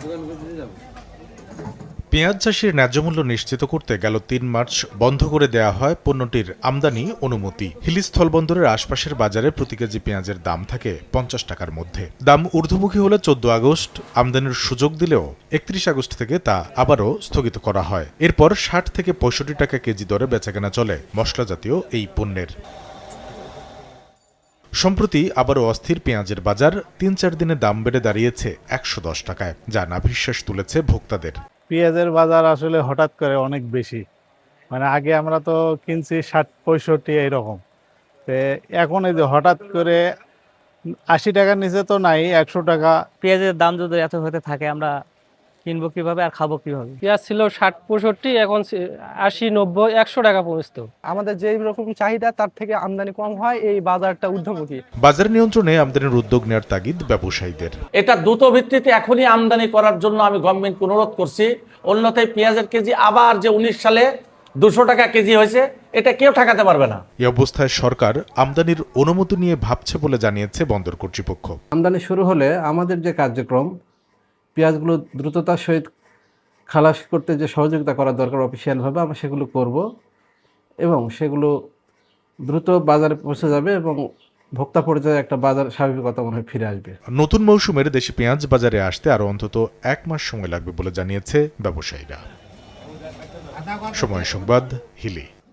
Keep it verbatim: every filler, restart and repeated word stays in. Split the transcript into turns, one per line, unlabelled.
পেঁয়াজ চাষির ন্যায্য মূল্য নিশ্চিত করতে গেল তিন মার্চ বন্ধ করে দেয়া হয় পণ্যটির আমদানি অনুমতি। হিলি স্থলবন্দরের আশপাশের বাজারে প্রতি কেজি পেঁয়াজের দাম থাকে পঞ্চাশ টাকার মধ্যে। দাম ঊর্ধ্বমুখী হলে চোদ্দ আগস্ট আমদানির সুযোগ দিলেও একত্রিশ আগস্ট থেকে তা আবারও স্থগিত করা হয়। এরপর ষাট থেকে পঁয়ষট্টি টাকা কেজি দরে বেচাকেনা চলে মশলা জাতীয় এই পণ্যের। সম্প্রতি আবারও অস্থির পেঁয়াজের বাজার, তিন চার দিনে দাম বেড়ে দাঁড়িয়েছে একশো দশ টাকায়, যা নাভিশ্বাস তুলেছে ভোক্তাদের।
পেঁয়াজের বাজার আসলে হঠাৎ করে অনেক বেশি, মানে আগে আমরা তো কিনছি ষাট পঁয়ষট্টি এইরকম, তো এখন এই যে হঠাৎ করে আশি টাকার নিচে তো নাই, একশো টাকা।
পেঁয়াজের দাম যদি এত হতে থাকে আমরা কিনবো কিভাবে আর খাবো কিভাবে?
পেঁয়াজ ছিল ষাট পঁয়ষট্টি, এখন আশি নব্বই একশো টাকা পৌঁছতো।
আমাদের যেই রকম চাহিদা তার থেকে আমদানি কম হয়, এই বাজারটা ঊর্ধ্বমুখী।
বাজার নিয়ন্ত্রণে আমদানির উদ্যোগ নেওয়ার তাগিদ ব্যবসায়ীদের।
এটা দ্রুত ভিত্তিতে এখনই আমদানি করার জন্য আমি গভর্নমেন্টকে অনুরোধ করছি। অন্যথায় পেঁয়াজের কেজি আবার যে উনিশ সালে দুশো টাকা কেজি হয়েছে, এটা কেউ ঠেকাতে পারবে না।
এই অবস্থায় সরকার আমদানির অনুমতি নিয়ে ভাবছে বলে জানিয়েছে বন্দর কর্তৃপক্ষ।
আমদানি শুরু হলে আমাদের যে কার্যক্রম, পেঁয়াজগুলো দ্রুততার সহিত খালাস করতে যে সহযোগিতা করা দরকার অফিসিয়ালভাবে, আমরা সেগুলো করব এবং সেগুলো দ্রুত বাজারে পৌঁছে যাবে এবং ভোক্তা পর্যায়ে একটা বাজার স্বাভাবিকতা মনে হয় ফিরে আসবে।
নতুন মৌসুমের দেশি পেঁয়াজ বাজারে আসতে আরও অন্তত এক মাস সময় লাগবে বলে জানিয়েছে ব্যবসায়ীরা। সময় সংবাদ, হিলি।